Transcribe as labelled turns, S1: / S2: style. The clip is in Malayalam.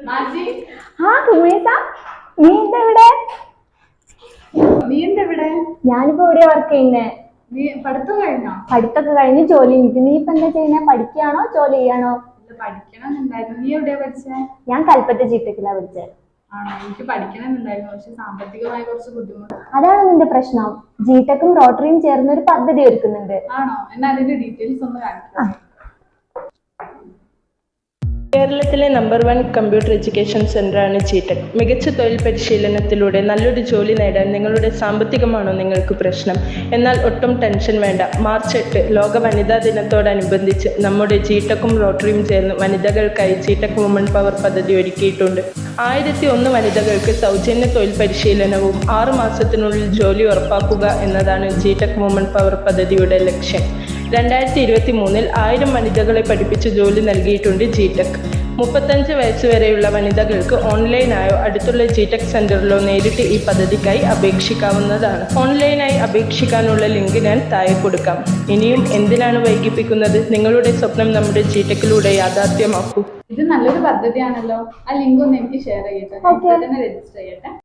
S1: ഞാനിപ്പോ ഇവിടെ വർക്ക് ചെയ്യുന്നേ. പഠിത്തൊക്കെ കഴിഞ്ഞ് ജോലി കിട്ടി. നീ ഇപ്പൊ എന്താ ചെയ്യുന്നേ? പഠിക്കുകയാണോ ജോലി ചെയ്യാണോ? ഞാൻ കൽപ്പറ്റ ജിടെക്കിലാ പഠിച്ചത്. അതാണ് നിന്റെ പ്രശ്നം. ജിടെക്കും റോട്ടറിയും ചേർന്ന് ഒരു പദ്ധതി ഒരുക്കുന്നുണ്ട്.
S2: കേരളത്തിലെ നമ്പർ 1 കമ്പ്യൂട്ടർ എഡ്യൂക്കേഷൻ സെന്ററാണ് ജിടെക്. മികച്ച തൊഴിൽ പരിശീലനത്തിലൂടെ നല്ലൊരു ജോലി നേടാൻ നിങ്ങളുടെ സാമ്പത്തികമാണോ നിങ്ങൾക്ക് പ്രശ്നം? എന്നാൽ ഒട്ടും ടെൻഷൻ വേണ്ട. മാർച്ച് 8 ലോക വനിതാ ദിനത്തോടനുബന്ധിച്ച് നമ്മുടെ ജിടെക്കും റോട്ടറിയും ചേർന്ന് വനിതകൾക്കായി ജിടെക് വുമൺ പവർ പദ്ധതി ഒരുക്കിയിട്ടുണ്ട്. 1001 വനിതകൾക്ക് സൗജന്യ തൊഴിൽ പരിശീലനവും 6 മാസത്തിനുള്ളിൽ ജോലി ഉറപ്പാക്കുക എന്നതാണ് ജിടെക് വുമൺ പവർ പദ്ധതിയുടെ ലക്ഷ്യം. 2023 1000 വനിതകളെ പഠിപ്പിച്ച് ജോലി നൽകിയിട്ടുണ്ട് ജിടെക്. 35 വയസ്സുവരെയുള്ള വനിതകൾക്ക് ഓൺലൈനായോ അടുത്തുള്ള ജിടെക് സെന്ററിലോ നേരിട്ട് ഈ പദ്ധതിക്കായി അപേക്ഷിക്കാവുന്നതാണ്. ഓൺലൈനായി അപേക്ഷിക്കാനുള്ള ലിങ്ക് ഞാൻ താഴെ കൊടുക്കാം. ഇനിയും എന്തിനാണ് വൈകിപ്പിക്കുന്നത്? നിങ്ങളുടെ സ്വപ്നം നമ്മുടെ ജിടെക്കിലൂടെ യാഥാർത്ഥ്യമാക്കൂ.
S3: ഇത് നല്ലൊരു പദ്ധതിയാണല്ലോ. ആ ലിങ്ക് ഒന്ന് എനിക്ക് ഷെയർ ചെയ്യട്ടെ. രജിസ്റ്റർ ചെയ്യട്ടെ.